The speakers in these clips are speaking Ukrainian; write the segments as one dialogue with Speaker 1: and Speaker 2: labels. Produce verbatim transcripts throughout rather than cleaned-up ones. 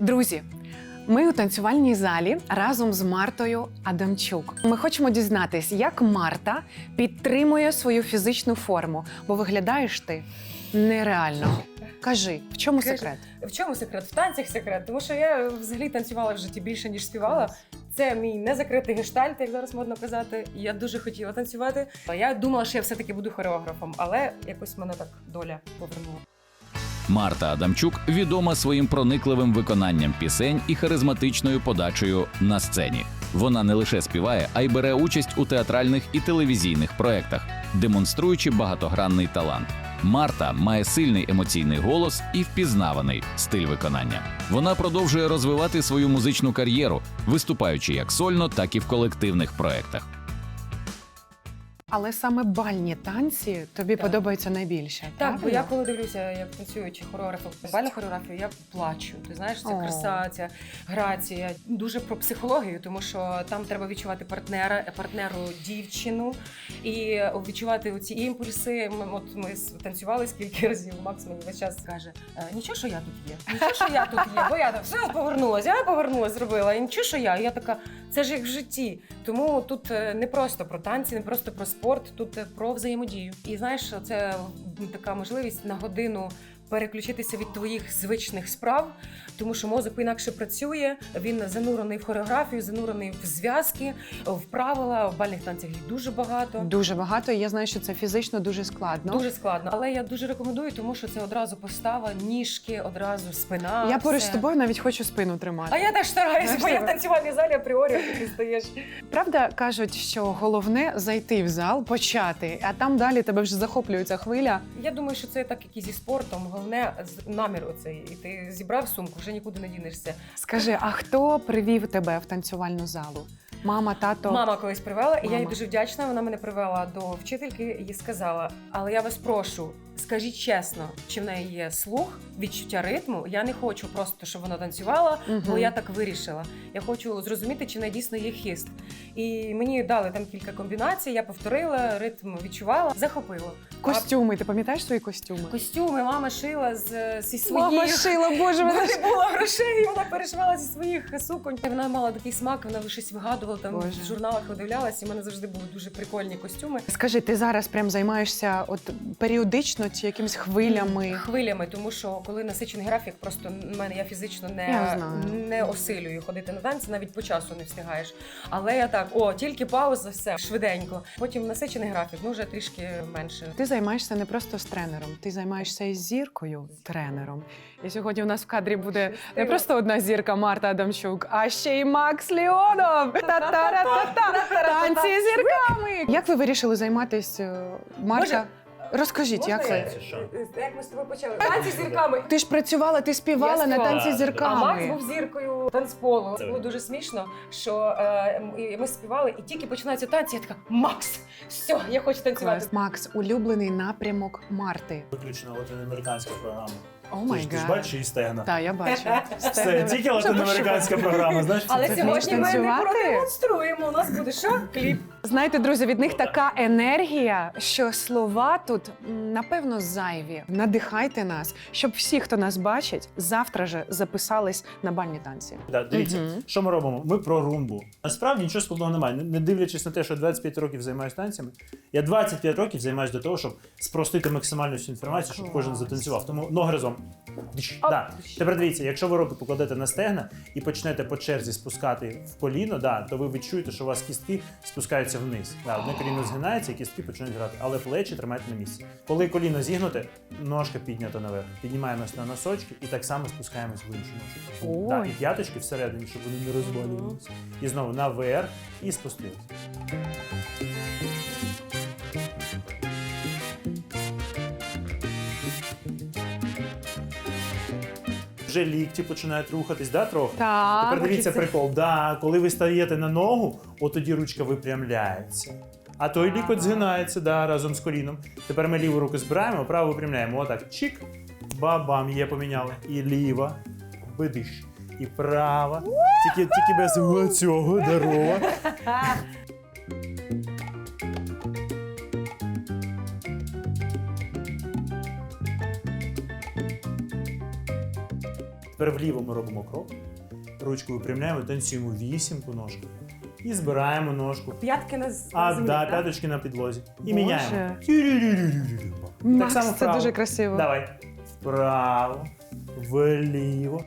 Speaker 1: Друзі, ми у танцювальній залі разом з Мартою Адамчук. Ми хочемо дізнатись, як Марта підтримує свою фізичну форму, бо виглядаєш ти нереально. Кажи, в чому
Speaker 2: Кажи.
Speaker 1: секрет?
Speaker 2: В чому секрет? В танцях секрет. Тому що я взагалі танцювала в житті більше, ніж співала. Це мій незакритий гештальт, як зараз модно казати. Я дуже хотіла танцювати. Я думала, що я все-таки буду хореографом, але якось мене так доля повернула.
Speaker 3: Марта Адамчук відома своїм проникливим виконанням пісень і харизматичною подачею на сцені. Вона не лише співає, а й бере участь у театральних і телевізійних проєктах, демонструючи багатогранний талант. Марта має сильний емоційний голос і впізнаваний стиль виконання. Вона продовжує розвивати свою музичну кар'єру, виступаючи як сольно, так і в колективних проєктах.
Speaker 1: Але саме бальні танці тобі
Speaker 2: Так.
Speaker 1: подобаються найбільше,
Speaker 2: Так,
Speaker 1: правильно?
Speaker 2: бо я коли дивлюся, як танцюють хореографи, бальну хореографію, я плачу. Ти знаєш, ця
Speaker 1: О.
Speaker 2: краса, ця грація. Дуже про психологію, тому що там треба відчувати партнера, партнеру дівчину і відчувати оці імпульси. Ми, от ми танцювали скільки разів, Макс мені весь час каже, «Е, нічого, що я тут є, нічого, що я тут є, бо я так все повернулася, я повернулася, зробила, і нічого, що я. І я така, це ж як в житті. Тому тут е, не просто про танці, не просто про спорт, тут е, про взаємодію. І знаєш, це така можливість на годину переключитися від твоїх звичних справ, тому що мозок інакше працює, він занурений в хореографію, занурений в зв'язки, в правила, в бальних танцях їх дуже багато.
Speaker 1: Дуже багато, і я знаю, що це фізично дуже складно.
Speaker 2: Дуже складно, але я дуже рекомендую, тому що це одразу постава, ніжки, одразу спина.
Speaker 1: Я поруч
Speaker 2: все.
Speaker 1: з тобою навіть хочу спину тримати.
Speaker 2: А я теж стараюся,
Speaker 1: Знаєш,
Speaker 2: бо я в
Speaker 1: тебе-
Speaker 2: танцювальній залі апріорі ти стаєш.
Speaker 1: Правда, кажуть, що головне зайти в зал, почати, а там далі тебе вже захоплює ця хвиля.
Speaker 2: Я думаю, що це так, як і зі спортом. Головне з- намір оцей. І ти зібрав сумку, вже нікуди не дінешся.
Speaker 1: Скажи, а хто привів тебе в танцювальну залу? Мама, тато?
Speaker 2: Мама колись привела, і я їй
Speaker 1: Мама.
Speaker 2: дуже вдячна. Вона мене привела до вчительки і сказала: але я вас прошу, скажіть чесно, чи в неї є слух, відчуття ритму. Я не хочу просто, щоб вона танцювала,
Speaker 1: Мгм.
Speaker 2: бо я так вирішила. Я хочу зрозуміти, чи в неї дійсно є хист. І мені дали там кілька комбінацій, я повторила, ритм відчувала, захопила.
Speaker 1: Костюми, ти пам'ятаєш свої костюми?
Speaker 2: А костюми мама шила з, зі своїх.
Speaker 1: Мама шила, боже,
Speaker 2: Бо
Speaker 1: вона ж...
Speaker 2: не було грошей, і вона перешивала зі своїх суконь. Вона мала такий смак, вона щось вигадувала, там
Speaker 1: Боже.
Speaker 2: в журналах видивлялась, і в мене завжди були дуже прикольні костюми.
Speaker 1: Скажи, ти зараз прям займаєшся от періодично чи якимись хвилями?
Speaker 2: Хвилями, тому що коли насичений графік, просто в мене я фізично
Speaker 1: Я
Speaker 2: не,
Speaker 1: знаю.
Speaker 2: не осилюю ходити на танці, навіть по часу не встигаєш. Але я так, о, тільки пауза, все, швиденько. Потім насичений графік, ну вже трішки менше.
Speaker 1: Ти займаєшся не просто з тренером, ти займаєшся із зіркою тренером. І сьогодні у нас в кадрі буде не просто одна зірка Марта Адамчук, а ще й Макс Леонов. Та-та-ра-та-та. Танці з зірками. Як ви вирішили займатися, Марта? Розкажіть, як
Speaker 2: Можна
Speaker 1: ви?
Speaker 2: я- Як ми з тобою почали? Танці з зірками.
Speaker 1: Ти ж працювала, ти співала
Speaker 2: Я
Speaker 1: на
Speaker 2: співала.
Speaker 1: танці з
Speaker 2: А Макс
Speaker 1: зірками.
Speaker 2: був зіркою танцполу.
Speaker 4: Це
Speaker 2: Було дуже смішно, що е, м- ми співали, і тільки починаються танці, я така, Макс, все, я хочу танцювати.
Speaker 1: Клас. Макс, улюблений напрямок Марти.
Speaker 4: Виключно латиноамериканська програма.
Speaker 1: О
Speaker 4: Ти
Speaker 1: май
Speaker 4: ж, ти ж
Speaker 1: гад.
Speaker 4: бачиш її стегна.
Speaker 1: Так, я бачу.
Speaker 4: Це тільки латиноамериканська програма, знаєш?
Speaker 2: Але
Speaker 4: це-
Speaker 2: сьогодні ми не
Speaker 1: танцювати?
Speaker 2: продемонструємо. У нас буде що? Кліп.
Speaker 1: Знаєте, друзі, від них така енергія, що слова тут, м, напевно, зайві. Надихайте нас, щоб всі, хто нас бачить, завтра же записались на бальні танці.
Speaker 4: Да, дивіться,
Speaker 1: Мгм.
Speaker 4: що ми робимо? Ми про румбу. Насправді нічого складного немає. Не- Не дивлячись на те, що двадцять п'ять років займаюся танцями, я двадцять п'ять років займаюся до того, щоб спростити максимальну всю інформацію, щоб кожен затанцював. Тому ноги разом. Диш. Да. Тепер дивіться, якщо ви руки покладете на стегна і почнете по черзі спускати в коліно, да, то ви відчуєте, що у вас кістки спускаються вниз. Да, одне коліно згинається, і кістки починають грати, але плечі тримайте на місці. Коли коліно зігнуте, ножка піднята наверх. Піднімаємось на носочки і так само спускаємось в іншу ножку.
Speaker 1: Ой.
Speaker 4: Да, і п'яточки всередині, щоб вони не розвалювалися. І знову наверх і спустились. Вже лікті починають рухатись, да, трохи?
Speaker 1: Так.
Speaker 4: Тепер дивіться
Speaker 1: хочеться.
Speaker 4: прикол. Да, коли ви стаєте на ногу, от тоді ручка випрямляється. А той лікоть згинається, да, разом з коліном. Тепер ми ліву руку збираємо, праву випрямляємо. Отак. Чик. Ба-бам, є поміняли. І ліва. Бидиш. І права. Тільки, тільки без цього, здорово. Тепер вліво ми робимо крок. Ручку випрямляємо, танцюємо вісімку ножку. І збираємо ножку.
Speaker 2: П'ятки на, з- на
Speaker 4: А,
Speaker 2: землі,
Speaker 4: да,
Speaker 2: так?
Speaker 4: п'яточки на підлозі. І
Speaker 1: Боже.
Speaker 4: міняємо. Тю-рю-рю-рю-рю-рю. Так
Speaker 1: Макс,
Speaker 4: само
Speaker 1: це
Speaker 4: вправо.
Speaker 1: дуже красиво.
Speaker 4: Давай. Вправо, вліво.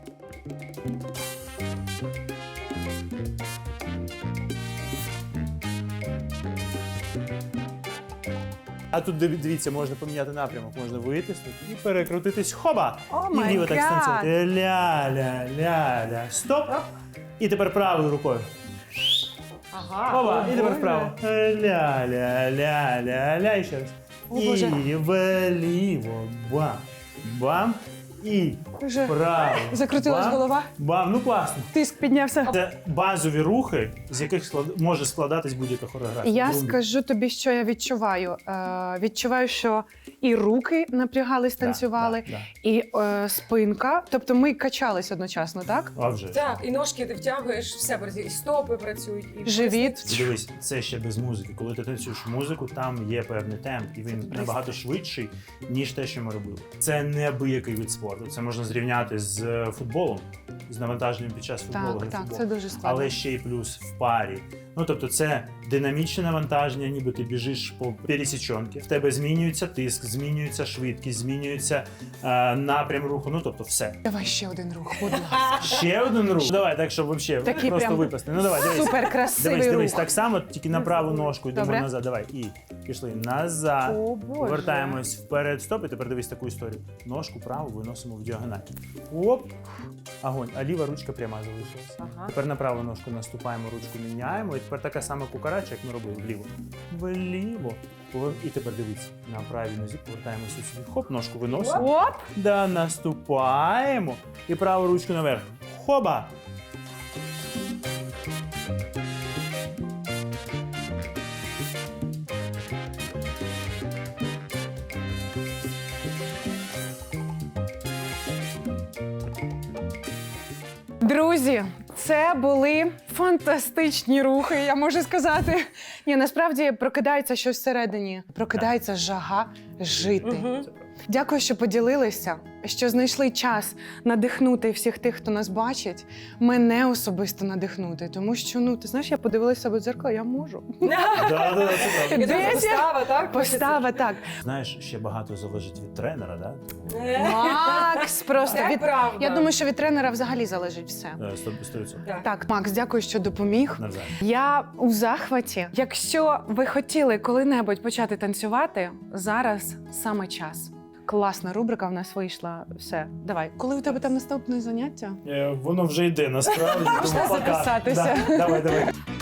Speaker 4: А тут диві- дивіться, можна поміняти напрямок, можна витиснути і перекрутитись. Хоба!
Speaker 1: О
Speaker 4: І
Speaker 1: май
Speaker 4: вліво так
Speaker 1: гад!
Speaker 4: станцювати. Ля-ля-ля-ля. Стоп! І тепер правою рукою.
Speaker 2: Ага.
Speaker 4: Хоба! І тепер
Speaker 1: Боже.
Speaker 4: вправо. Ля-ля-ля-ля-ля. І ще раз.
Speaker 1: О, Боже.
Speaker 4: І вліво. Бам. Бам. І
Speaker 1: Вже
Speaker 4: вправо.
Speaker 1: закрутилась
Speaker 4: Бам.
Speaker 1: голова,
Speaker 4: Бам. Ну класно.
Speaker 1: тиск піднявся.
Speaker 4: Це базові рухи, з яких склад... може складатись будь-яка хореографія.
Speaker 1: Я
Speaker 4: Румбі.
Speaker 1: скажу тобі, що я відчуваю. Е, відчуваю, що і руки напрягались,
Speaker 4: Да,
Speaker 1: танцювали,
Speaker 4: да, да.
Speaker 1: і е, спинка. Тобто ми качались одночасно, так?
Speaker 4: А вже ж.
Speaker 2: Так, і ножки ти втягуєш, все працює, і стопи працюють, і
Speaker 1: Живіт.
Speaker 4: І Дивись, це ще без музики. Коли ти танцюєш музику, там є певний темп, і він набагато швидший, ніж те, що ми робили. Це неабиякий вид спорту. Це можна зрівняти з е, футболом, з навантаженням під час футболу.
Speaker 1: Так,
Speaker 4: гри
Speaker 1: так,
Speaker 4: футболу.
Speaker 1: це дуже складно.
Speaker 4: Але ще й плюс в парі. Ну тобто, це динамічне навантаження, ніби ти біжиш по пересічонки. В тебе змінюється тиск, змінюється швидкість, змінюється е, напрям руху. Ну тобто, все.
Speaker 1: Давай ще один рух, будь ласка.
Speaker 4: Ще один рух. Давай, так, щоб взагалі
Speaker 1: Такий
Speaker 4: просто
Speaker 1: прям
Speaker 4: випасти. Ну давай, дивись.
Speaker 1: Супер красивий
Speaker 4: Дивись, дивись,
Speaker 1: рух.
Speaker 4: так само, тільки на праву ножку йдемо
Speaker 1: Добре.
Speaker 4: назад. Давай. І пішли назад.
Speaker 1: О, Боже.
Speaker 4: Повертаємось вперед, стоп, і тепер дивись таку історію. Ножку праву виносимо в діагональ. Оп! Огонь. А ліва ручка пряма залишилася.
Speaker 2: Ага.
Speaker 4: Тепер на праву ножку наступаємо, ручку міняємо. І тепер така сама кукарача, як ми робили вліво. Вліво. Повер- І тепер дивіться, на правій нозі повертаємося сюди. Хоп, ножку виносимо.
Speaker 1: Оп!
Speaker 4: Да, наступаємо. І праву ручку наверх. Хоба!
Speaker 1: Друзі, це були фантастичні рухи, я можу сказати. Ні, насправді прокидається щось всередині. Прокидається жага жити.
Speaker 2: Мгм.
Speaker 1: Дякую, що поділилися, що знайшли час надихнути всіх тих, хто нас бачить, мене особисто надихнути. Тому що, ну, ти знаєш, я подивилася себе в дзеркало, я можу.
Speaker 4: Да, да, да, це правда.
Speaker 2: І
Speaker 1: Де
Speaker 2: тут
Speaker 1: я?
Speaker 2: постава, так?
Speaker 1: Постава так.
Speaker 4: Знаєш, ще багато залежить від тренера, да?
Speaker 1: Макс, просто
Speaker 2: Це
Speaker 1: від...
Speaker 2: правда.
Speaker 1: Я думаю, що від тренера взагалі залежить все.
Speaker 4: Е, сто відсотків.
Speaker 2: Так.
Speaker 1: Так, Макс, дякую, що допоміг.
Speaker 4: Навзаєм.
Speaker 1: Я у захваті. Якщо ви хотіли коли-небудь почати танцювати, зараз саме час. Класна рубрика в нас вийшла. Все, давай. Коли у тебе там наступне заняття?
Speaker 4: Е, Воно вже йде насправді.
Speaker 1: Можна
Speaker 4: тому пока.
Speaker 1: записатися.
Speaker 4: Да, давай, давай.